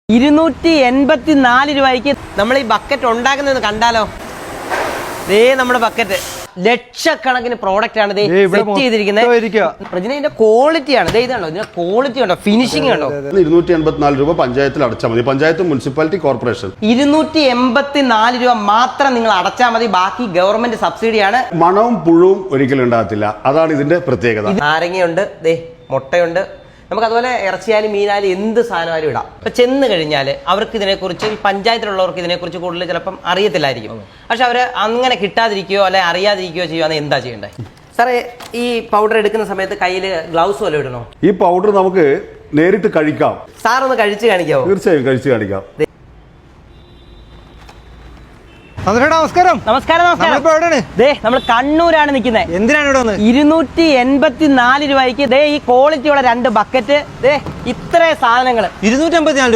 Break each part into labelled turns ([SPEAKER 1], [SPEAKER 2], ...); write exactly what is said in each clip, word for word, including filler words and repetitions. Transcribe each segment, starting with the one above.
[SPEAKER 1] ഇരുന്നൂറ്റി എൺപത്തി നാല് രൂപയ്ക്ക് നമ്മൾ ഈ ബക്കറ്റ് ഉണ്ടാക്കുന്നത് കണ്ടാലോ. ദേ നമ്മുടെ ബക്കറ്റ് ലക്ഷക്കണക്കിന് പ്രോഡക്റ്റ് ആണ് സെറ്റ് ചെയ്തിരിക്കുന്നത്. ഇതിന്റെ ക്വാളിറ്റിയാണ് ഇതാണോ, ഇതിന്റെ ക്വാളിറ്റി ഉണ്ടോ, ഫിനിഷിംഗ് ഉണ്ടോ.
[SPEAKER 2] ഇരുന്നൂറ്റി എൺപത്തിനാല് രൂപ പഞ്ചായത്തിൽ അടച്ചാൽ മതി. പഞ്ചായത്ത്, മുനിസിപ്പാലിറ്റി, കോർപ്പറേഷൻ
[SPEAKER 1] ഇരുന്നൂറ്റി എൺപത്തി നാല് രൂപ മാത്രം നിങ്ങൾ അടച്ചാൽ മതി. ബാക്കി ഗവൺമെന്റ് സബ്സിഡിയാണ്.
[SPEAKER 2] മണവും പുഴുവും ഒരിക്കലും ഉണ്ടാകത്തില്ല. അതാണ് ഇതിന്റെ പ്രത്യേകത.
[SPEAKER 1] നാരങ്ങയുണ്ട്, ദേ മുട്ടയുണ്ട്, നമുക്ക് അതുപോലെ ഇറച്ചിയാലും മീനായാലും എന്ത് സാധനമായാലും ഇടാം. ഇപ്പൊ ചെന്ന് കഴിഞ്ഞാൽ അവർക്ക് ഇതിനെക്കുറിച്ച്, ഈ പഞ്ചായത്തിലുള്ളവർക്ക് ഇതിനെക്കുറിച്ച് കൂടുതൽ ചിലപ്പം അറിയത്തില്ലായിരിക്കും. പക്ഷെ അവർ അങ്ങനെ കിട്ടാതിരിക്കുകയോ അല്ലെ അറിയാതിരിക്കുകയോ ചെയ്യുവാണെങ്കിൽ എന്താ ചെയ്യേണ്ടത് സാറേ? ഈ പൗഡർ എടുക്കുന്ന സമയത്ത് കയ്യിൽ ഗ്ലൗസ് വല്ല ഇടണോ?
[SPEAKER 2] ഈ പൗഡർ നമുക്ക് നേരിട്ട് കഴിക്കാം.
[SPEAKER 1] സാർ ഒന്ന് കഴിച്ച് കാണിക്കാവോ?
[SPEAKER 2] തീർച്ചയായും കഴിച്ച് കാണിക്കാം.
[SPEAKER 3] നമസ്കാരം.
[SPEAKER 1] നമസ്കാരം നമസ്കാരം. ദേ നമ്മൾ കണ്ണൂരാണ് നിൽക്കുന്നത്.
[SPEAKER 3] എന്തിനാണ് ഇവിടെ വന്നത്?
[SPEAKER 1] ഇരുന്നൂറ്റി എൺപത്തി നാല് രൂപയ്ക്ക് ദേ ഈ ക്വാളിറ്റിയുള്ള രണ്ട് ബക്കറ്റ്, ദേ ഇത്ര സാധനങ്ങൾ
[SPEAKER 3] ഇരുന്നൂറ്റി എൺപത്തിനാല്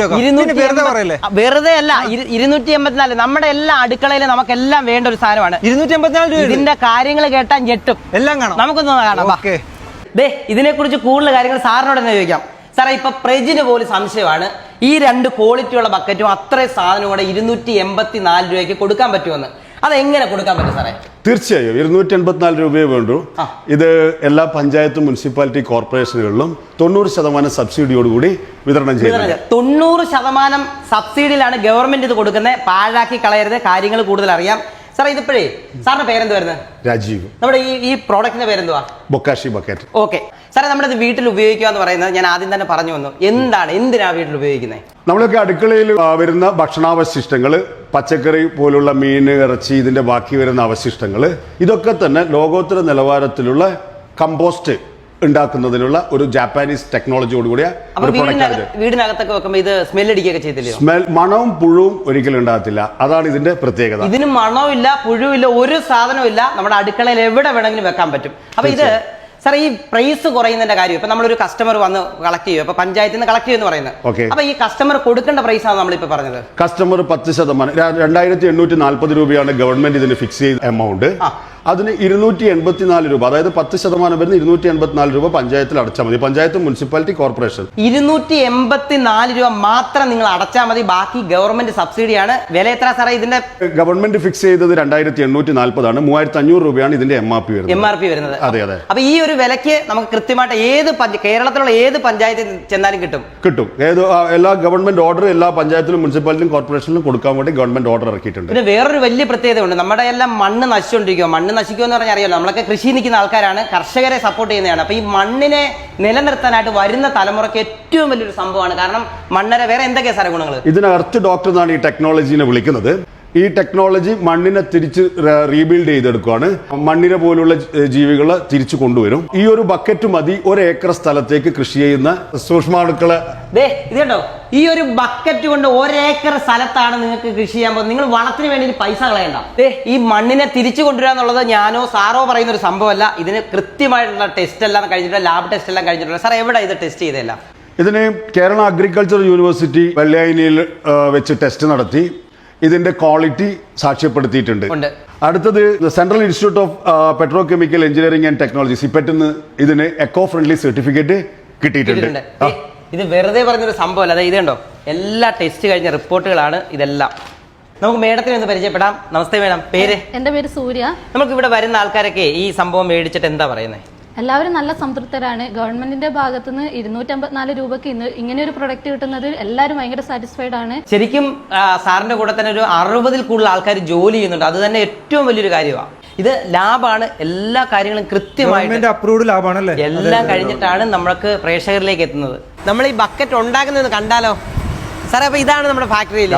[SPEAKER 3] രൂപ.
[SPEAKER 1] വെറുതെ അല്ല, ഇരുന്നൂറ്റി എൺപത്തിനാല് നമ്മുടെ എല്ലാ അടുക്കളയിലും നമുക്കെല്ലാം വേണ്ട ഒരു സാധനമാണ്.
[SPEAKER 3] ഇരുന്നൂറ്റി എൺപത്തിനാല് രൂപ.
[SPEAKER 1] ഇതിന്റെ കാര്യങ്ങൾ കേട്ടാൽ ഞെട്ടും.
[SPEAKER 3] എല്ലാം കാണാം,
[SPEAKER 1] നമുക്കൊന്ന് കാണാം. ദേ ഇതിനെ കുറിച്ച് കൂടുതൽ കാര്യങ്ങൾ സാറിനോട് തന്നെ ചോദിക്കാം. സാറേ, ഇപ്പൊ പ്രജിന് പോലും സംശയമാണ് ഈ രണ്ട് ക്വാളിറ്റിയുള്ള ബക്കറ്റും അത്രയും സാധനം കൂടെ ഇരുന്നൂറ്റി എൺപത്തി നാല് രൂപയ്ക്ക് കൊടുക്കാൻ പറ്റുമെന്ന്. അതെങ്ങനെ കൊടുക്കാൻ പറ്റും സാറേ?
[SPEAKER 2] തീർച്ചയായും ഇരുന്നൂറ്റി എൺപത്തിനാല് രൂപയെ വേണ്ടു. ഇത് എല്ലാ പഞ്ചായത്തും മുനിസിപ്പാലിറ്റി കോർപ്പറേഷനുകളിലും തൊണ്ണൂറ് ശതമാനം സബ്സിഡിയോടുകൂടി വിതരണം ചെയ്യുന്നത്.
[SPEAKER 1] തൊണ്ണൂറ് ശതമാനം സബ്സിഡിയിലാണ് ഗവൺമെന്റ് ഇത് കൊടുക്കുന്നത്. പാഴാക്കി കളയരുത്, കാര്യങ്ങൾ കൂടുതൽ അറിയാം. സാറേ, ഇതിപ്പോഴേ സാറിന്റെ പേരെന്ത് വരുന്നത്?
[SPEAKER 2] രാജീവ്.
[SPEAKER 1] നമ്മുടെ ഈ ഈ പ്രോഡക്റ്റിന്റെ പേരെന്തുവാ?
[SPEAKER 2] Bokashi bucket.
[SPEAKER 1] ഓക്കെ സാറേ, നമ്മുടെ ഇത് വീട്ടിൽ ഉപയോഗിക്കുക എന്ന് പറയുന്നത് ഞാൻ ആദ്യം തന്നെ പറഞ്ഞു വന്നു. എന്താണ്, എന്തിനാ വീട്ടിൽ ഉപയോഗിക്കുന്നത്?
[SPEAKER 2] നമ്മളൊക്കെ അടുക്കളയിൽ വരുന്ന ഭക്ഷണാവശിഷ്ടങ്ങൾ, പച്ചക്കറി പോലുള്ള മീൻ, ഇറച്ചി, ഇതിന്റെ ബാക്കി വരുന്ന അവശിഷ്ടങ്ങൾ, ഇതൊക്കെ തന്നെ ലോകോത്തര നിലവാരത്തിലുള്ള കമ്പോസ്റ്റ് ഉണ്ടാക്കുന്നതിനുള്ള ഒരു ജാപ്പാനീസ് ടെക്നോളജിയോടുകൂടിയ
[SPEAKER 1] വീടിനകത്തൊക്കെ വെക്കുമ്പോൾ ഇത് സ്മെൽ അടിക്കുകയൊക്കെ ചെയ്തില്ലേ?
[SPEAKER 2] സ്മെൽ, മണവും പുഴുവും ഒരിക്കലും ഉണ്ടാകത്തില്ല. അതാണ് ഇതിന്റെ പ്രത്യേകത.
[SPEAKER 1] ഇതിന് മണവും ഇല്ല, പുഴുവില്ല, ഒരു സാധനവും ഇല്ല. നമ്മുടെ അടുക്കളയിൽ എവിടെ വേണമെങ്കിലും വെക്കാൻ പറ്റും. അപ്പൊ ഇത് സാർ, ഈ പ്രൈസ് കുറയുന്നതിന്റെ കാര്യം, ഇപ്പൊ നമ്മളൊരു കസ്റ്റമർ വന്ന് കളക്ട് ചെയ്യും, അപ്പൊ പഞ്ചായത്തിൽ നിന്ന് കളക്ട് ചെയ്യുമെന്ന് പറയുന്നത്. അപ്പൊ ഈ കസ്റ്റമർ കൊടുക്കേണ്ട പ്രൈസ് ആണ് നമ്മളിപ്പോ പറഞ്ഞത്.
[SPEAKER 2] കസ്റ്റമർ പത്ത് ശതമാനം രണ്ടായിരത്തി എണ്ണൂറ്റി നാല്പത് രൂപയാണ് ഗവൺമെന്റ് ഇതിന് ഫിക്സ് ചെയ്ത എമൗണ്ട്. അതിന് ഇരുന്നൂറ്റി എൺപത്തിനാല് രൂപ, അതായത് പത്ത് ശതമാനം വരുന്ന ഇരുന്നൂറ്റി എൺപത്തിനാല് രൂപ പഞ്ചായത്തിൽ അടച്ചാൽ മതി. Panchayat, municipality, corporation.
[SPEAKER 1] ഇരുന്നൂറ്റി എൺപത്തിനാല് രൂപ മാത്രം നിങ്ങൾ അടച്ചാൽ മതി. ബാക്കി ഗവൺമെന്റ് സബ്സിഡിയാണ്. വില എത്ര സാറേ ഇതിന്റെ?
[SPEAKER 2] ഗവൺമെന്റ് ഫിക്സ് ചെയ്തത് രണ്ടായിരത്തി എണ്ണൂറ്റി നാൽപ്പതാണ്. മൂവായിരത്തി അഞ്ഞൂറ് രൂപയാണ് ഇതിന്റെ എം ആർ പി വരുന്നത്.
[SPEAKER 1] എം ആർ പി വരുന്നത്.
[SPEAKER 2] അതെ അതെ.
[SPEAKER 1] അപ്പൊ ഈ ഒരു വിലക്ക് നമുക്ക് കൃത്യമായിട്ട് ഏത് കേരളത്തിലുള്ള ഏത് പഞ്ചായത്തിൽ ചെന്നാലും കിട്ടും
[SPEAKER 2] കിട്ടും ഏത് എല്ലാ ഗവൺമെന്റ് ഓർഡർ എല്ലാ പഞ്ചായത്തിലും, മുനിസിപ്പാലിറ്റിയും, കോർപ്പറേഷനിലും കൊടുക്കാൻ വേണ്ടി ഗവൺമെന്റ് ഓർഡർ ഇറക്കിയിട്ടുണ്ട്.
[SPEAKER 1] പിന്നെ വേറൊരു വലിയ പ്രത്യേകത ഉണ്ട്. നമ്മുടെ എല്ലാം മണ്ണ് നശിച്ചുകൊണ്ടിരിക്കുക. മണ്ണ് നശിക്കുമെന്ന് പറഞ്ഞാൽ അറിയാലോ, നമ്മളൊക്കെ കൃഷി നിൽക്കുന്ന ആൾക്കാരാണ്, കർഷകരെ സപ്പോർട്ട് ചെയ്യുന്നതാണ്. അപ്പൊ ഈ മണ്ണിനെ നിലനിർത്താനായിട്ട് വരുന്ന തലമുറയ്ക്ക് ഏറ്റവും വലിയൊരു സംഭവമാണ്. കാരണം മണ്ണിനെ വേറെ എന്തൊക്കെയാ സാറേ ഗുണങ്ങൾ?
[SPEAKER 2] ഇതിന് എർത്ത് ഡോക്ടർ എന്നാണ് ഈ ടെക്നോളജീനെ വിളിക്കുന്നത്. ഈ ടെക്നോളജി മണ്ണിനെ തിരിച്ച് റീബിൽഡ് ചെയ്തെടുക്കുകയാണ്. മണ്ണിനെ പോലുള്ള ജീവികളെ തിരിച്ചു കൊണ്ടുവരും. ഈ ഒരു ബക്കറ്റ് മതി ഒരു ഏക്കർ സ്ഥലത്തേക്ക് കൃഷി ചെയ്യുന്ന സൂക്ഷ്മാണുക്കളെ.
[SPEAKER 1] ഇതുണ്ടോ, ഈ ഒരു ബക്കറ്റ് കൊണ്ട് ഒരേക്കർ സ്ഥലത്താണ് നിങ്ങൾക്ക് കൃഷി ചെയ്യാൻ പോകുന്നത്. നിങ്ങൾ വളത്തിന് വേണ്ടി പൈസ കളയണ്ട. ഈ മണ്ണിനെ തിരിച്ചു കൊണ്ടുവരാന്നുള്ളത് ഞാനോ സാറോ പറയുന്ന ഒരു സംഭവമല്ല. ഇതിന് കൃത്യമായിട്ടുള്ള ടെസ്റ്റ് എല്ലാം കഴിഞ്ഞിട്ടുള്ള ലാബ് ടെസ്റ്റ് എല്ലാം കഴിഞ്ഞിട്ടുള്ള. സാർ, എവിടെ ഇത് ടെസ്റ്റ് ചെയ്തല്ല?
[SPEAKER 2] ഇതിന് കേരള അഗ്രികൾച്ചർ യൂണിവേഴ്സിറ്റി വെള്ളയാനിയിൽ വെച്ച് ടെസ്റ്റ് നടത്തി ഇതിന്റെ ക്വാളിറ്റി സാക്ഷ്യപ്പെടുത്തിയിട്ടുണ്ട്. അടുത്തത് central institute of petrochemical engineering and technology, സിപെറ്റിന് ഇതിന് എക്കോ ഫ്രണ്ട്ലി സർട്ടിഫിക്കറ്റ് കിട്ടിയിട്ടുണ്ട്.
[SPEAKER 1] ഇത് വെറുതെ പറഞ്ഞൊരു സംഭവമല്ല. അതായത് ഇതുണ്ടോ, എല്ലാ ടെസ്റ്റ് കഴിഞ്ഞ റിപ്പോർട്ടുകളാണ് ഇതെല്ലാം. നമുക്ക് മേഡത്തിനെ ഒന്ന് പരിചയപ്പെടാം. നമസ്തേ മേഡം, പേര്?
[SPEAKER 4] എന്റെ പേര് സൂര്യ.
[SPEAKER 1] നമുക്ക് ഇവിടെ വരുന്ന ആൾക്കാരൊക്കെ ഈ സംഭവം മേടിച്ചിട്ട് എന്താ പറയുന്നത്?
[SPEAKER 4] എല്ലാവരും നല്ല സംതൃപ്തരാണ്. ഗവൺമെന്റിന്റെ ഭാഗത്തു നിന്ന് ഇരുന്നൂറ്റി അമ്പത്തിനാല് രൂപക്ക് ഇന്ന് ഇങ്ങനെ ഒരു പ്രൊഡക്റ്റ് കിട്ടുന്നത് എല്ലാവരും ഭയങ്കര സാറ്റിസ്ഫൈഡ് ആണ്.
[SPEAKER 1] ശരിക്കും സാറിന്റെ കൂടെ തന്നെ ഒരു അറുപതിൽ കൂടുതൽ ആൾക്കാർ ജോലി ചെയ്യുന്നുണ്ട്. അത് തന്നെ ഏറ്റവും വലിയൊരു കാര്യമാണ്. ഇത് ലാബാണ്, എല്ലാ കാര്യങ്ങളും കൃത്യമായിട്ട്
[SPEAKER 3] അപ്രൂവ്ഡ് ലാബാണല്ലേ,
[SPEAKER 1] എല്ലാം കഴിഞ്ഞിട്ടാണ് നമ്മൾക്ക് പ്രേക്ഷകരിലേക്ക് എത്തുന്നത്. നമ്മൾ ഈ ബക്കറ്റ് ഉണ്ടാക്കുന്നത് കണ്ടാലോ സാറേ? അപ്പൊ ഇതാണ് നമ്മുടെ ഫാക്ടറിയിൽ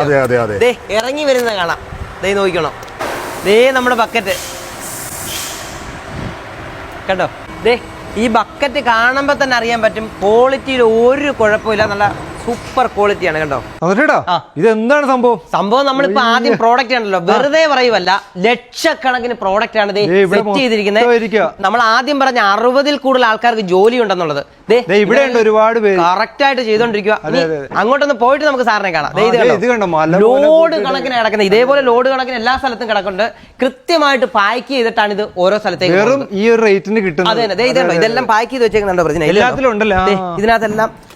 [SPEAKER 1] ഇറങ്ങി വരുന്നത് കാണാം. ദേ നോക്കണം, ദേ നമ്മുടെ ബക്കറ്റ് കണ്ടോ. ദേ ഈ ബക്കറ്റ് കാണുമ്പോൾ തന്നെ അറിയാൻ പറ്റും ക്വാളിറ്റിയിൽ ഒരു കുഴപ്പമില്ല. നല്ല സൂപ്പർ ക്വാളിറ്റിയാണ് കണ്ടോ.
[SPEAKER 3] ഇത് എന്താണ് സംഭവം?
[SPEAKER 1] സംഭവം നമ്മളിപ്പോ ആദ്യം പ്രോഡക്റ്റ് ആണല്ലോ, വെറുതെ പറയുമല്ല, ലക്ഷക്കണക്കിന് പ്രോഡക്റ്റ് ആണ് സെറ്റ് ചെയ്തിരിക്കുന്നത്. നമ്മൾ ആദ്യം പറഞ്ഞ അറുപതിൽ കൂടുതൽ ആൾക്കാർക്ക് ജോലി ഉണ്ടെന്നുള്ളത്
[SPEAKER 3] ഇവിടെ ഒരുപാട്
[SPEAKER 1] കറക്റ്റ് ആയിട്ട് ചെയ്തോണ്ടിരിക്കുക. അങ്ങോട്ടൊന്ന് പോയിട്ട് നമുക്ക് സാറിനെ കാണാം. ലോഡ് കണക്കിന് കിടക്കുന്നത്, ഇതേപോലെ ലോഡ് കണക്കിന് എല്ലാ സ്ഥലത്തും കിടക്കുന്നുണ്ട്. കൃത്യമായിട്ട് പാക്ക് ചെയ്തിട്ടാണ് ഇത് ഓരോ സ്ഥലത്തേക്ക്
[SPEAKER 3] ഈ ഒരു റേറ്റിന് കിട്ടുന്നത്.
[SPEAKER 1] അതെ, ഇതെല്ലാം പാക്ക് ചെയ്ത് വെച്ചേക്കുന്നുണ്ടോ? ഇതിനകത്തെല്ലാം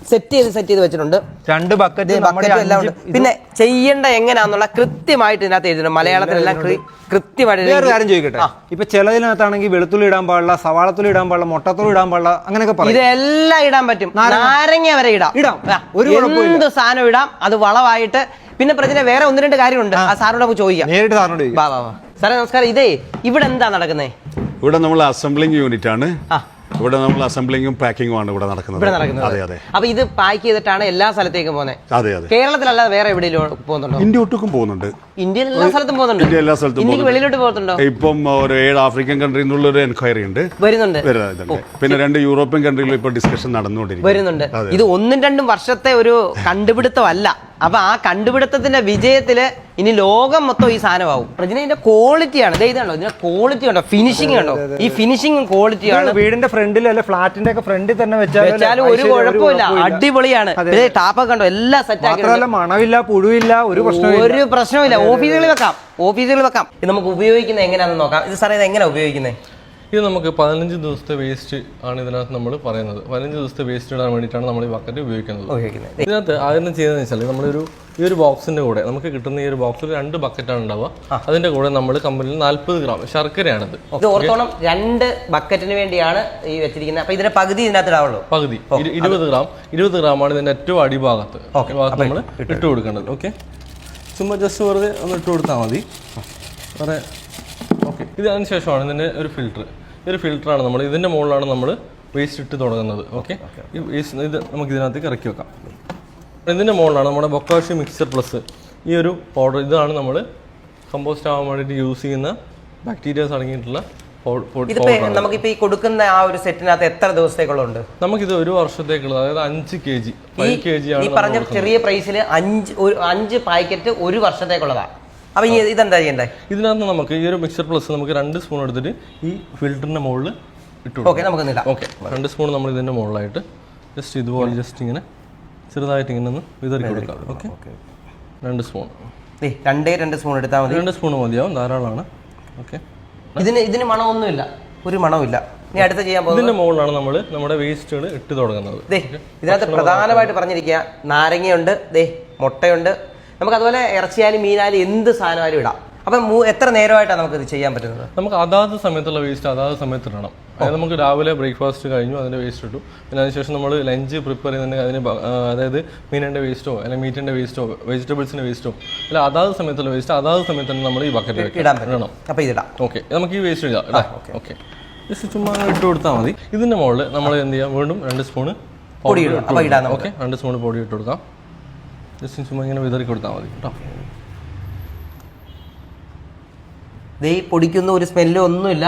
[SPEAKER 1] സെറ്റ് ചെയ്ത് സെറ്റ് ചെയ്ത് വെച്ചിട്ടുണ്ട്.
[SPEAKER 3] രണ്ട് ബക്കറ്റ്
[SPEAKER 1] ബക്കറ്റും എല്ലാം ഉണ്ട്. പിന്നെ ചെയ്യേണ്ട എങ്ങനെയാന്നുള്ള കൃത്യമായിട്ട് ഇതിനകത്ത് എഴുതുന്നുണ്ട്. മലയാളത്തിലെല്ലാം കൃത്യമായിട്ട്.
[SPEAKER 3] വേറെ കാര്യം ചോദിക്കട്ടെ, ഇപ്പൊ ചിലതിനകത്താണെങ്കിൽ വെളുത്തുള്ളി ഇടാൻ പാടില്ല, സവാളത്തുള്ളി ഇടാൻ പാടില്ല, മുട്ടത്തുള്ളി ഇടാൻ പാടില്ല, അങ്ങനെയൊക്കെ പറയും.
[SPEAKER 1] ഇതെല്ലാം ഇടാൻ പറ്റും. നാരങ്ങ വരെ ഇടാം
[SPEAKER 3] ഇടാം ഒരു
[SPEAKER 1] എന്ത് സാധനം ഇടാം. അത് വളമായിട്ട്. പിന്നെ പ്രശ്നം വേറെ ഒന്ന് രണ്ട് കാര്യമുണ്ട്. ആ സാറിനോട് നമുക്ക് ചോദിക്കാം.
[SPEAKER 3] നേരിട്ട് സാറിനോട്
[SPEAKER 1] വാ വാ വാ സാറേ നമസ്കാരം. ഇതേ ഇവിടെ എന്താ നടക്കുന്നത്?
[SPEAKER 2] ഇവിടെ നമ്മൾ അസംബ്ലിംഗ് യൂണിറ്റ് ആണ്. ഇവിടെ നമ്മൾ അസംബ്ലിങ്ങും പാക്കിങ്ങും ആണ് ഇവിടെ നടക്കുന്നത്.
[SPEAKER 1] ഇവിടെ നടക്കുന്നത്.
[SPEAKER 2] അതെ അതെ.
[SPEAKER 1] അപ്പൊ ഇത് പാക്ക് ചെയ്തിട്ടാണ് എല്ലാ സ്ഥലത്തേക്കും പോകുന്നത്.
[SPEAKER 2] അതെ അതെ.
[SPEAKER 1] കേരളത്തിലല്ലാതെ വേറെ എവിടെയെങ്കിലും പോകുന്നുണ്ടോ?
[SPEAKER 2] ഇന്ത്യ ഒട്ടുക്കും പോകുന്നുണ്ട്.
[SPEAKER 1] ഇന്ത്യയിൽ എല്ലാ സ്ഥലത്തും പോകുന്നുണ്ട്.
[SPEAKER 2] ഇന്ത്യ എല്ലാ സ്ഥലത്തും.
[SPEAKER 1] ഇന്ത്യക്ക് വെളിയിലോട്ട് പോകുന്നുണ്ടോ?
[SPEAKER 2] ഇപ്പം ഒരു ഏഴ് ആഫ്രിക്കൻ കൺട്രിയിൽ നിന്നുള്ള ഒരു എൻക്വയറി ഉണ്ട്.
[SPEAKER 1] വരുന്നുണ്ട്.
[SPEAKER 2] പിന്നെ രണ്ട് യൂറോപ്യൻ കൺട്രികളിൽ ഇപ്പൊ ഡിസ്കഷൻ നടന്നുകൊണ്ടിരിക്കും.
[SPEAKER 1] വരുന്നുണ്ട്. ഇത് ഒന്നും രണ്ടും വർഷത്തെ ഒരു കണ്ടുപിടുത്തമല്ല. അപ്പൊ ആ കണ്ടുപിടുത്തത്തിന്റെ വിജയത്തില് ഇനി ലോകം മൊത്തം ഈ സാധനമാവും. ഇതിന്റെ ക്വാളിറ്റിയാണ്. ഇതാണോ ഇതിന്റെ ക്വാളിറ്റി ഉണ്ടോ? ഫിനിഷിംഗ് ഉണ്ടോ? ഈ ഫിനിഷിംഗ് ക്വാളിറ്റിയാണ്.
[SPEAKER 3] വീടിന്റെ ഫ്രണ്ടിൽ അല്ലെ ഫ്ലാറ്റിന്റെ ഒക്കെ ഫ്രണ്ടിൽ തന്നെ
[SPEAKER 1] വെച്ചാലും ഒരു കുഴപ്പമില്ല. അടിപൊളിയാണ്. ടാപ്പൊക്കെ ഉണ്ടോ? എല്ലാം സെറ്റ് ആക്കി.
[SPEAKER 3] മണമില്ല, പുഴുവില്ല, ഒരു പ്രശ്നം
[SPEAKER 1] ഒരു പ്രശ്നമില്ല. ഓഫീസുകളിൽ വെക്കാം. ഓഫീസുകളിൽ വെക്കാം. ഇത് നമുക്ക് ഉപയോഗിക്കുന്നത് എങ്ങനെയാണെന്ന് നോക്കാം. ഇത് സാറേ ഇത് എങ്ങനെയാണ് ഉപയോഗിക്കുന്നത്?
[SPEAKER 5] ഇത് നമുക്ക് പതിനഞ്ച് ദിവസത്തെ വേസ്റ്റ് ആണ് ഇതിനകത്ത് നമ്മൾ പറയുന്നത്. പതിനഞ്ച് ദിവസത്തെ വേസ്റ്റ് ഇടാൻ വേണ്ടിയിട്ടാണ് നമ്മൾ ഈ ബക്കറ്റ് ഉപയോഗിക്കുന്നത്. ഇതിനകത്ത് ആദ്യം ചെയ്യുന്നത് വെച്ചാൽ നമ്മളൊരു ഈ ഒരു ബോക്സിന്റെ കൂടെ നമുക്ക് കിട്ടുന്ന ഈ ഒരു ബോക്സിൽ രണ്ട് ബക്കറ്റാണ് ഉണ്ടാവുക. അതിന്റെ കൂടെ നമ്മൾ കമ്പനിയിൽ നാല്പത് ഗ്രാം ശർക്കരയാണിത്.
[SPEAKER 1] ഇത് ഓർത്തോണം, രണ്ട് ബക്കറ്റിന് വേണ്ടിയാണ് ഈ വെച്ചിരിക്കുന്നത്. അപ്പൊ ഇതിന്റെ പകുതി ഇതിനകത്ത് ഇടാവുള്ളൂ.
[SPEAKER 5] പകുതി ഇരുപത് ഗ്രാം ഇരുപത് ഗ്രാമാണ് ഇതിന്റെ ഏറ്റവും അടിഭാഗത്ത് ഭാഗത്ത് നമ്മൾ ഇട്ട് കൊടുക്കേണ്ടത്. ഓക്കെ, ചുമ്മാ ജസ്റ്റ് വെറുതെ ഒന്ന് ഇട്ട് കൊടുത്താൽ മതി. വേറെ ഓക്കെ. ഇത് അതിന് ശേഷമാണ് ഇതിൻ്റെ ഒരു ഫിൽറ്റർ. ഈ ഒരു ഫിൽറ്ററാണ് നമ്മൾ ഇതിൻ്റെ മുകളിലാണ് നമ്മൾ വേസ്റ്റ് ഇട്ട് തുടങ്ങുന്നത്. ഓക്കെ, ഈ വേസ്റ്റ് ഇത് നമുക്ക് ഇതിനകത്തേക്ക് ഇറക്കി വെക്കാം. ഇതിൻ്റെ മുകളിലാണ് നമ്മുടെ ബൊക്കാഷി മിക്സർ പ്ലസ് ഈ ഒരു പൗഡർ. ഇതാണ് നമ്മൾ കമ്പോസ്റ്റ് ആവാൻ വേണ്ടിയിട്ട് യൂസ് ചെയ്യുന്ന ബാക്ടീരിയാസ് അടങ്ങിയിട്ടുള്ള
[SPEAKER 1] നമുക്കിപ്പോ ഈ കൊടുക്കുന്ന ആ ഒരു സെറ്റിനകത്ത് എത്ര ദിവസത്തേക്കുള്ളുണ്ട്?
[SPEAKER 5] നമുക്കിത് ഒരു വർഷത്തേക്കുള്ളത്, അതായത് അഞ്ച് K G five K G ആണ്.
[SPEAKER 1] ഈ പറഞ്ഞ ചെറിയ പ്രൈസിൽ അഞ്ച് അഞ്ച് പാക്കറ്റ് ഒരു വർഷത്തേക്കുള്ളതാണ്. അപ്പൊ ഇതെന്താ ചെയ്യണ്ടേ?
[SPEAKER 5] ഇതിനകത്ത് നമുക്ക് ഈ ഒരു മിക്സർ പ്ലസ് നമുക്ക് രണ്ട് സ്പൂൺ എടുത്തിട്ട് ഈ ഫിൽറ്ററിന്റെ മുകളിൽ ഇട്ടു.
[SPEAKER 1] ഓക്കെ, നമുക്ക്
[SPEAKER 5] ഓക്കെ, രണ്ട് സ്പൂൺ നമ്മൾ ഇതിന്റെ മുകളിലായിട്ട് ജസ്റ്റ് ഇതുപോലെ ജസ്റ്റ് ഇങ്ങനെ ചെറുതായിട്ട് ഇങ്ങനെ ഒന്ന് വിതറി കൊടുക്കാം. ഓക്കെ, രണ്ട് സ്പൂൺ
[SPEAKER 1] രണ്ടേ രണ്ട് സ്പൂൺ എടുത്താൽ മതി.
[SPEAKER 5] രണ്ട് സ്പൂൺ മതിയാവും, ധാരാളമാണ്. ഓക്കെ,
[SPEAKER 1] ഇതിന് ഇതിന് മണമൊന്നുമില്ല, ഒരു മണമില്ല. ഇനി അടുത്ത ചെയ്യാൻ പോകുന്നത്
[SPEAKER 5] ഇതിന്റെ മുകളിലാണ് നമ്മൾ നമ്മുടെ വേസ്റ്റുകൾ ഇട്ട് തുടങ്ങുന്നത്.
[SPEAKER 1] ഇതിനകത്ത് പ്രധാനമായിട്ട് പറഞ്ഞിരിക്കുക നാരങ്ങയുണ്ട്, ദേ മുട്ടയുണ്ട്. നമുക്ക് അതുപോലെ ഇറച്ചിയാലും മീനാലും എന്ത് സാധനമായാലും ഇടാം. അപ്പം എത്ര നേരമായിട്ടാണ് നമുക്ക് ഇത് ചെയ്യാൻ പറ്റുന്നത്?
[SPEAKER 5] നമുക്ക് അതാത് സമയത്തുള്ള വേസ്റ്റ് അതാത് സമയത്ത് ഇടണം. അതായത് നമുക്ക് രാവിലെ ബ്രേക്ക്ഫാസ്റ്റ് കഴിഞ്ഞു അതിൻ്റെ വേസ്റ്റ് ഇട്ടു. പിന്നെ അതിനുശേഷം നമ്മൾ ലഞ്ച് പ്രിപ്പയർ ചെയ്യുന്നുണ്ടെങ്കിൽ അതിന് അതായത് മീനിൻ്റെ വേസ്റ്റോ അല്ലെങ്കിൽ മീറ്റിൻ്റെ വേസ്റ്റോ വെജിറ്റബിൾസിൻ്റെ വേസ്റ്റോ അല്ല അതാത് സമയത്തുള്ള വേസ്റ്റ് അതാത് സമയത്ത് തന്നെ നമ്മൾ ഈ ബക്കറ്റ്
[SPEAKER 1] ഇടാൻ ഇടണം. അപ്പോൾ ഇതിടാം.
[SPEAKER 5] ഓക്കെ, നമുക്ക് ഈ വേസ്റ്റ് ഇടാം. ഓക്കെ, ജസ്റ്റ് ചുമ്മാ ഇട്ട് കൊടുത്താൽ മതി. ഇതിൻ്റെ മുകളിൽ നമ്മൾ എന്ത് ചെയ്യാം, വീണ്ടും രണ്ട് സ്പൂണ് പൊടി ഇടാം. ഓക്കെ, രണ്ട് സ്പൂൺ പൊടി ഇട്ട് കൊടുക്കാം. ജസ്റ്റ് ചുമ്മാ ഇങ്ങനെ വിതറി കൊടുത്താൽ മതി കേട്ടോ.
[SPEAKER 1] ദേ പൊടിക്കുന്ന ഒരു സ്മെല്ലും ഒന്നുമില്ല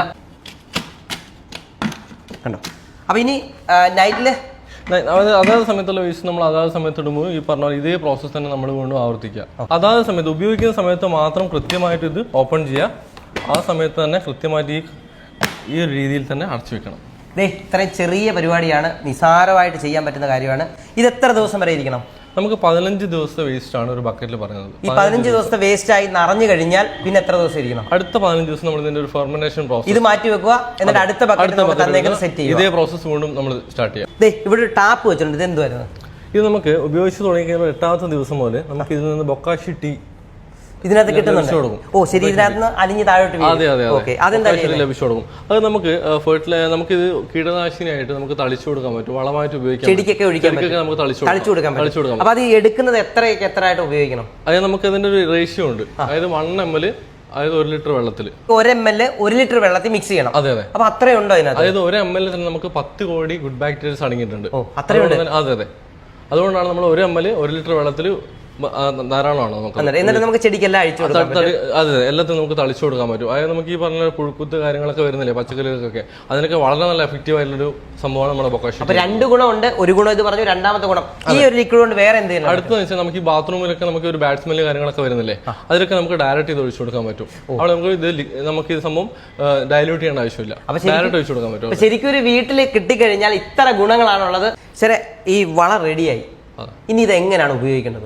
[SPEAKER 1] കണ്ടോ. അപ്പൊ ഇനി നൈറ്റില്
[SPEAKER 5] അതാത് സമയത്തുള്ള വേസ്റ്റ് നമ്മൾ അതാത് സമയത്ത് ഇടുമ്പോൾ ഈ പറഞ്ഞ പോലെ ഇതേ പ്രോസസ്സ് തന്നെ നമ്മൾ വീണ്ടും ആവർത്തിക്കുക. അതാത് സമയത്ത് ഉപയോഗിക്കുന്ന സമയത്ത് മാത്രം കൃത്യമായിട്ട് ഇത് ഓപ്പൺ ചെയ്യുക. ആ സമയത്ത് തന്നെ കൃത്യമായിട്ട് ഈ ഈ ഒരു രീതിയിൽ തന്നെ അടച്ചു വെക്കണം.
[SPEAKER 1] ദേ ഇത്രയും ചെറിയ പരിപാടിയാണ്, നിസാരമായിട്ട് ചെയ്യാൻ പറ്റുന്ന കാര്യമാണ്. ഇത് എത്ര ദിവസം വരെ ഇരിക്കണം?
[SPEAKER 5] നമുക്ക് പതിനഞ്ച് ദിവസത്തെ വേസ്റ്റ് ആണ് ഒരു ബക്കറ്റിൽ പറയുന്നത്.
[SPEAKER 1] ഈ പതിനഞ്ച് ദിവസത്തെ വേസ്റ്റ് ആയി നിറഞ്ഞു കഴിഞ്ഞാൽ പിന്നെ എത്ര ദിവസം ഇരിക്കണം?
[SPEAKER 5] അടുത്ത പതിനഞ്ച് ദിവസം നമ്മൾ ഇതിന്റെ ഒരു ഫെർമെന്റേഷൻ പ്രോസസ്
[SPEAKER 1] ഇത് മാറ്റി വെക്കുക, എന്നിട്ട് അടുത്ത ബക്കറ്റ് സെറ്റ് ചെയ്യുക.
[SPEAKER 5] ഇതേ പ്രോസസ് വീണ്ടും നമ്മൾ സ്റ്റാർട്ട് ചെയ്യാം.
[SPEAKER 1] ദേ ഇവിടെ ഒരു ടാപ്പ് വെച്ചിട്ടുണ്ട്. ഇത് എന്തുവായിരുന്നു?
[SPEAKER 5] ഇത് നമുക്ക് ഉപയോഗിച്ച് തുടങ്ങി കഴിയുമ്പോൾ എട്ടാമത്തെ ദിവസം പോലെ നമുക്ക് ഇതിൽ നിന്ന് ബൊക്കാഷി ടീ
[SPEAKER 1] ഇതിനകത്ത് കിട്ടുന്നുണ്ട്. ഓ ശരി, ഇതിനകത്ത് അലിഞ്ഞ് താഴോട്ട്
[SPEAKER 5] ലഭിച്ചു കൊടുക്കും. അത് നമുക്ക് ഫെർട്ടിലൈസർ നമുക്ക് ഇത് കീടനാശിനിയായിട്ട് നമുക്ക് തളിച്ചു കൊടുക്കാൻ പറ്റും, വളമായിട്ട് ഉപയോഗിക്കാം.
[SPEAKER 1] ചെടിക്കൊക്കെ ഒഴിക്കാൻ നമുക്ക് തളിച്ചു കൊടുക്കാൻ പറ്റും. അപ്പൊ അത് എടുക്കുന്നത് എത്രയൊക്കെ എത്ര ആയിട്ട് ഉപയോഗിക്കണം?
[SPEAKER 5] അതായത് നമുക്ക് അതിന്റെ ഒരു റേഷ്യോ ഉണ്ട്. അതായത് വൺ എം എൽ അതായത് ഒരു ലിറ്റർ വെള്ളത്തിൽ
[SPEAKER 1] ഒരു എം എൽ ഒരു ലിറ്റർ വെള്ളത്തിൽ മിക്സ് ചെയ്യണം.
[SPEAKER 5] അതെ അതെ.
[SPEAKER 1] അപ്പൊ അത്രയുണ്ടോ അതിനകത്ത്?
[SPEAKER 5] അതായത് ഒരു എം എൽ തന്നെ നമുക്ക് പത്ത് കോടി ഗുഡ് ബാക്ടീരിയസ് അടങ്ങിയിട്ടുണ്ട്.
[SPEAKER 1] അത്രയുണ്ട്.
[SPEAKER 5] അതെ അതെ. അതുകൊണ്ടാണ് നമ്മൾ ഒരു എം എൽ ഒരു ലിറ്റർ വെള്ളത്തിൽ ധാരാളമാണ് നമുക്ക്.
[SPEAKER 1] എന്നിട്ട് നമുക്ക് ചെടിക്കെല്ലാം അഴിച്ചു കൊടുക്കാം.
[SPEAKER 5] അതെ, എല്ലാത്തിനും നമുക്ക് തളിച്ചു കൊടുക്കാൻ പറ്റും. അതായത് നമുക്ക് ഈ പറഞ്ഞ പുഴുക്കുത്ത് കാര്യങ്ങളൊക്കെ വരുന്നില്ലേ പച്ചക്കറികൾക്കൊക്കെ, അതിനൊക്കെ വളരെ നല്ല എഫക്റ്റീവ് ആയിട്ടുള്ളൊരു സംഭവമാണ് നമ്മുടെ ബൊക്കാഷി.
[SPEAKER 1] അപ്പൊ രണ്ട് ഗുണമുണ്ട്. ഒരു ഗുണം ഇത് പറഞ്ഞു, രണ്ടാമത്തെ ഗുണം ഈ ഒരു ലിക്വിഡ് കൊണ്ട് വേറെ എന്തെങ്കിലും
[SPEAKER 5] അടുത്തെന്ന് വെച്ചാൽ നമുക്ക് ഈ ബാത്റൂമിലൊക്കെ നമുക്ക് ഒരു ബാഡ് സ്മെല്ല് കാര്യങ്ങളൊക്കെ വരുന്നില്ലേ, അതിലൊക്കെ നമുക്ക് ഡയറക്റ്റ് ചെയ്ത് ഒഴിച്ചു കൊടുക്കാൻ പറ്റും. അവിടെ നമുക്ക് ഇത് നമുക്ക് ഇത് സംഭവം ഡയലൂട്ട് ചെയ്യേണ്ട ആവശ്യമില്ല, ഡയറക്റ്റ് ഒഴിച്ചു കൊടുക്കാൻ പറ്റും.
[SPEAKER 1] ശരിക്കും ഒരു വീട്ടിൽ കിട്ടിക്കഴിഞ്ഞാൽ ഇത്ര ഗുണങ്ങളാണുള്ളത്. ശരി, ഈ വളം റെഡിയായി. ഇനി ഇത് എങ്ങനെയാണ് ഉപയോഗിക്കേണ്ടത്?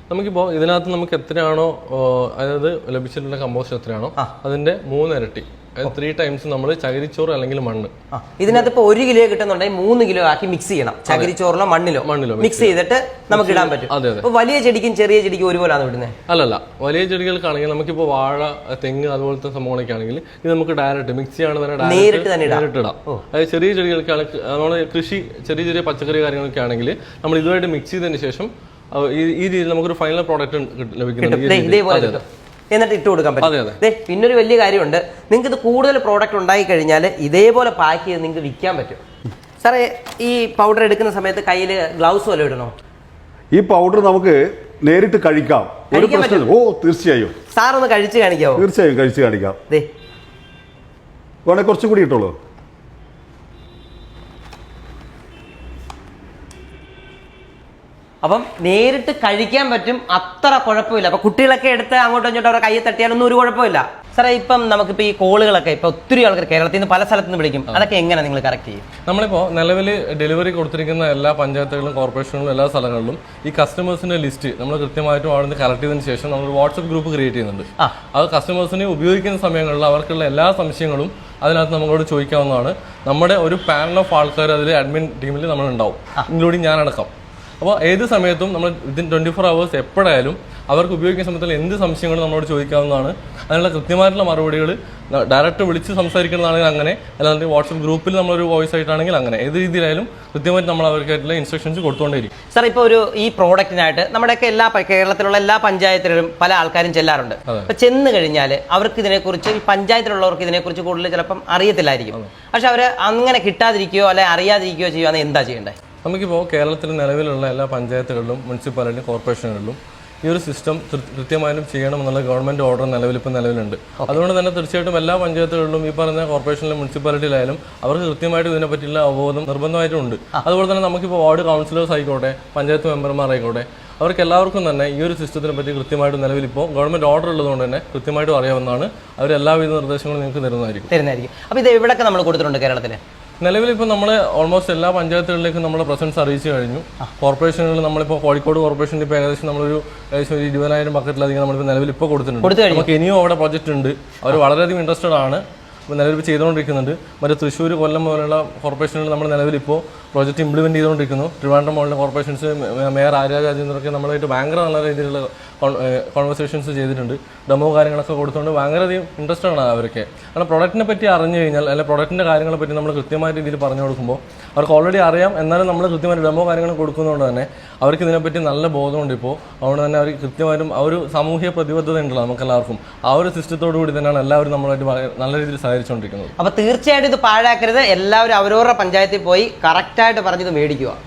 [SPEAKER 5] നമുക്കിപ്പോൾ ഇതിനകത്ത് നമുക്ക് എത്രയാണോ അതായത് ലഭിച്ചിട്ടുള്ള കമ്പോസ്റ്റ് എത്രയാണോ അതിന്റെ മൂന്നിരട്ടി ത്രീ ടൈംസ് നമ്മൾ ചകിരിച്ചോറ് അല്ലെങ്കിൽ മണ്ണ്.
[SPEAKER 1] ഇതിനകത്ത് ഇപ്പൊ ഒരു കിലോ കിട്ടുന്നുണ്ടെങ്കിൽ മൂന്ന് കിലോ ആക്കി മിക്സ് ചെയ്യണം. ചകിരിച്ചോറിലോ മണ്ണിലോ മണ്ണിലോ മിക്സ് ചെയ്തിട്ട് നമുക്ക് ഇടാൻ പറ്റും.
[SPEAKER 5] അതെ അതെ.
[SPEAKER 1] വലിയ ചെടിക്കും ചെറിയ ചെടിക്കും ഒരുപോലെയാണ് വിടുന്നത്?
[SPEAKER 5] അല്ലല്ല, വലിയ ചെടികൾക്കാണെങ്കിൽ നമുക്കിപ്പോൾ വാഴ, തെങ്ങ് അതുപോലത്തെ സംഭവങ്ങളൊക്കെ ആണെങ്കിൽ ഇത് നമുക്ക് ഡയറക്റ്റ് മിക്സ് ചെയ്യാണ് തന്നെ
[SPEAKER 1] നേരിട്ട് തന്നെ
[SPEAKER 5] നേരിട്ട് ഇടാം. അതായത് ചെറിയ ചെടികൾക്കാണ് നമ്മൾ കൃഷി ചെറിയ ചെറിയ പച്ചക്കറി കാര്യങ്ങളൊക്കെ ആണെങ്കിൽ നമ്മൾ ഇതുമായിട്ട് മിക്സ് ചെയ്തതിന് ശേഷം ഈ രീതിയിൽ നമുക്കൊരു ഫൈനൽ പ്രോഡക്റ്റ് ലഭിക്കുന്നത്.
[SPEAKER 1] എന്നിട്ട് ഇട്ട് കൊടുക്കാൻ പറ്റും. പിന്നൊരു വലിയ കാര്യമുണ്ട്, നിങ്ങൾക്ക് ഇത് കൂടുതൽ പ്രോഡക്റ്റ് ഉണ്ടായി കഴിഞ്ഞാൽ ഇതേപോലെ പാക്ക് ചെയ്ത് നിങ്ങൾക്ക് വിൽക്കാൻ പറ്റും. സാറേ, ഈ പൗഡർ എടുക്കുന്ന സമയത്ത് കയ്യിൽ ഗ്ലൗസ് വല്ല ഇടണോ?
[SPEAKER 2] ഈ പൗഡർ നമുക്ക് നേരിട്ട് കഴിക്കാം. ഒരു പ്രശ്നം. ഓ തീർച്ചയായും.
[SPEAKER 1] സാർ ഒന്ന് കഴിച്ച് കാണിക്കാവോ?
[SPEAKER 2] തീർച്ചയായും കഴിച്ച് കാണിക്കാം. വേണേ കുറച്ചും കൂടി ഇട്ടോളൂ.
[SPEAKER 1] അപ്പം നേരിട്ട് കഴിക്കാൻ പറ്റും, അത്ര കുഴപ്പമില്ല. അപ്പൊ കുട്ടികളൊക്കെ എടുത്ത് അങ്ങോട്ടും ഇങ്ങോട്ടും അവരുടെ കയ്യിൽ തട്ടിയാലൊന്നും ഒരു കുഴപ്പമില്ല. സാറേ, ഇപ്പം നമുക്കിപ്പോൾ ഈ കോളുകളൊക്കെ ഇപ്പൊ ഒത്തിരി ആൾക്കാർ കേരളത്തിൽ നിന്ന് പല സ്ഥലത്ത് നിന്ന് വിളിക്കും, അതൊക്കെ എങ്ങനെ നിങ്ങൾ കറക്റ്റ് ചെയ്യും?
[SPEAKER 5] നമ്മളിപ്പോൾ നിലവിൽ ഡെലിവറി കൊടുത്തിരിക്കുന്ന എല്ലാ പഞ്ചായത്തുകളിലും കോർപ്പറേഷനുകളിലും എല്ലാ സ്ഥലങ്ങളിലും ഈ കസ്റ്റമേഴ്സിന്റെ ലിസ്റ്റ് നമ്മൾ കൃത്യമായിട്ടും അവിടെ നിന്ന് കളക്ട് ചെയ്തതിന് ശേഷം നമ്മൾ വാട്സ്ആപ്പ് ഗ്രൂപ്പ് ക്രിയേറ്റ് ചെയ്യുന്നുണ്ട്. അത് കസ്റ്റമേഴ്സിനെ ഉപയോഗിക്കുന്ന സമയങ്ങളിൽ അവർക്കുള്ള എല്ലാ സംശയങ്ങളും അതിനകത്ത് നമ്മളോട് ചോദിക്കാവുന്നതാണ്. നമ്മുടെ ഒരു പാനൽ ഓഫ് ആൾക്കാർ അതിൽ അഡ്മിൻ ടീമിൽ നമ്മളുണ്ടാവും, ഇൻക്ലൂഡിങ് ഞാനടക്കം. അപ്പോൾ ഏത് സമയത്തും നമ്മൾ വിത്തിൻ ട്വൻറ്റി ഫോർ അവേഴ്സ് എപ്പോഴായാലും അവർക്ക് ഉപയോഗിക്കുന്ന സമയത്തുള്ള എന്ത് സംശയങ്ങളും നമ്മളോട് ചോദിക്കാവുന്നതാണ്. അതിനുള്ള കൃത്യമായിട്ടുള്ള മറുപടികൾ ഡയറക്റ്റ് വിളിച്ച് സംസാരിക്കുന്നതാണെങ്കിൽ അങ്ങനെ, അല്ലാതെ വാട്സപ്പ് ഗ്രൂപ്പിൽ നമ്മളൊരു വോയിസ് ആയിട്ടാണെങ്കിൽ അങ്ങനെ, ഏത് രീതിയിലായാലും കൃത്യമായിട്ട് നമ്മൾ അവർക്കായിട്ടുള്ള ഇൻസ്ട്രക്ഷൻസ് കൊടുത്തുകൊണ്ടേയിരിക്കും.
[SPEAKER 1] സാർ, ഇപ്പോൾ ഒരു ഈ പ്രോഡക്റ്റിനായിട്ട് നമ്മുടെയൊക്കെ എല്ലാ കേരളത്തിലുള്ള എല്ലാ പഞ്ചായത്തിലും പല ആൾക്കാരും ചെല്ലാറുണ്ട്. അപ്പൊ ചെന്ന് കഴിഞ്ഞാൽ അവർക്ക് ഇതിനെക്കുറിച്ച്, ഈ പഞ്ചായത്തിലുള്ളവർക്ക് ഇതിനെക്കുറിച്ച് കൂടുതൽ ചിലപ്പം അറിയത്തില്ലായിരിക്കും. പക്ഷെ അവർ അങ്ങനെ കിട്ടാതിരിക്കുകയോ അല്ലെങ്കിൽ അറിയാതിരിക്കുകയോ ചെയ്യുകയാണെങ്കിൽ എന്താ ചെയ്യേണ്ടത്?
[SPEAKER 5] നമുക്കിപ്പോൾ കേരളത്തിൽ നിലവിലുള്ള എല്ലാ പഞ്ചായത്തുകളിലും മുനിസിപ്പാലിറ്റി കോർപ്പറേഷനുകളിലും ഈ ഒരു സിസ്റ്റം കൃത്യമായും ചെയ്യണമെന്നുള്ള ഗവൺമെന്റ് ഓർഡർ നിലവിലിപ്പോൾ നിലവിലുണ്ട്. അതുകൊണ്ട് തന്നെ തീർച്ചയായിട്ടും എല്ലാ പഞ്ചായത്തുകളിലും ഈ പറഞ്ഞ കോർപ്പറേഷനിലും മുനിസിപ്പാലിറ്റിയിലായാലും അവർക്ക് കൃത്യമായിട്ട് ഇതിനെ പറ്റിയുള്ള അവബോധം നിർബന്ധമായിട്ടുണ്ട്. അതുപോലെ തന്നെ നമുക്കിപ്പോൾ വാർഡ് കൗൺസിലേഴ്സ് ആയിക്കോട്ടെ, പഞ്ചായത്ത് മെമ്പർമാരായിക്കോട്ടെ, അവർക്ക് എല്ലാവർക്കും തന്നെ ഈ ഒരു സിസ്റ്റത്തിനെ പറ്റി കൃത്യമായിട്ട് നിലവിലിപ്പോൾ ഗവൺമെന്റ് ഓർഡർ ഉള്ളതുകൊണ്ട് തന്നെ കൃത്യമായിട്ടും അറിയാവുന്നതാണ്. അവർ എല്ലാവിധ നിർദ്ദേശങ്ങളും നിങ്ങൾക്ക് തരുന്നതായിരിക്കും
[SPEAKER 1] തരുന്നതായിരിക്കും അപ്പോൾ ഇത് എവിടെയൊക്കെ നമ്മൾ കൊടുത്തിട്ടുണ്ട് കേരളത്തിൽ?
[SPEAKER 5] നിലവിൽ ഇപ്പോൾ നമ്മൾ ഓൾമോസ്റ്റ് എല്ലാ പഞ്ചായത്തുകളിലേക്കും നമ്മുടെ പ്രസൻസ് അറിയിച്ചു കഴിഞ്ഞു. കോർപ്പറേഷനുകളിൽ നമ്മളിപ്പോൾ കോഴിക്കോട് കോർപ്പറേഷനിൽ ഇപ്പോൾ ഏകദേശം നമ്മളൊരു ഏകദേശം ഒരു ഇരുപതിനായിരം ബക്കറ്റിലധികം നമ്മളിപ്പോൾ നിലവിൽ ഇപ്പോൾ കൊടുത്തിട്ടുണ്ട്. നമുക്ക് ഇനിയും അവിടെ പ്രൊജക്റ്റ് ഉണ്ട്, അവർ വളരെയധികം ഇൻട്രസ്റ്റഡ് ആണ്, നിലവിൽ ചെയ്തുകൊണ്ടിരിക്കുന്നുണ്ട്. മറ്റേ തൃശ്ശൂർ, കൊല്ലം പോലുള്ള കോർപ്പറേഷനുകൾ നമ്മൾ നിലവിലിപ്പോൾ പ്രോജക്റ്റ് ഇംപ്ലിമെൻറ്റ് ചെയ്തുകൊണ്ടിരിക്കുന്നു. ട്രിവാൻഡ്രം പോലുള്ള കോർപ്പറേഷൻസ് മേയർ ആര്യ രാജേന്ദ്രനൊക്കെ നമ്മളായിട്ട് ഭയങ്കര നല്ല രീതിയിലുള്ള കോൺവെർസേഷൻസ് ചെയ്തിട്ടുണ്ട്. ഡെമോ കാര്യങ്ങളൊക്കെ കൊടുത്തുകൊണ്ട് ഭയങ്കരധികം ഇൻട്രസ്റ്റഡ് ആണ് അവരൊക്കെ. കാരണം പ്രൊഡക്റ്റിനെ പറ്റി അറിഞ്ഞു കഴിഞ്ഞാൽ, അല്ലെങ്കിൽ പ്രൊഡക്റ്റിൻ്റെ കാര്യങ്ങളെ പറ്റി നമ്മൾ കൃത്യമായ രീതിയിൽ പറഞ്ഞു കൊടുക്കുമ്പോൾ അവർക്ക് ഓൾറെഡി അറിയാം, എന്നാലും നമ്മൾ കൃത്യമായിട്ട് ഡെമോ കാര്യങ്ങൾ കൊടുക്കുന്നതുകൊണ്ട് തന്നെ അവർക്ക് ഇതിനെപ്പറ്റി നല്ല ബോധമുണ്ട്. ഇപ്പോൾ അതുകൊണ്ട് തന്നെ അവർ കൃത്യമായിട്ടും ആ ഒരു സാമൂഹ്യ പ്രതിബദ്ധത ഉണ്ടല്ലോ നമുക്കെല്ലാവർക്കും. ആ ഒരു സിസ്റ്റത്തോടു കൂടി തന്നെയാണ് എല്ലാവരും നമ്മളായിട്ട് നല്ല രീതിയിൽ സഹകരിച്ചുകൊണ്ടിരിക്കുന്നത്.
[SPEAKER 1] അപ്പോൾ തീർച്ചയായിട്ടും ഇത് പാഴാക്കരുത്. എല്ലാവരും അവരവരുടെ പഞ്ചായത്തിൽ പോയി കറക്റ്റായിട്ട് പറഞ്ഞത് മേടിക്കുക.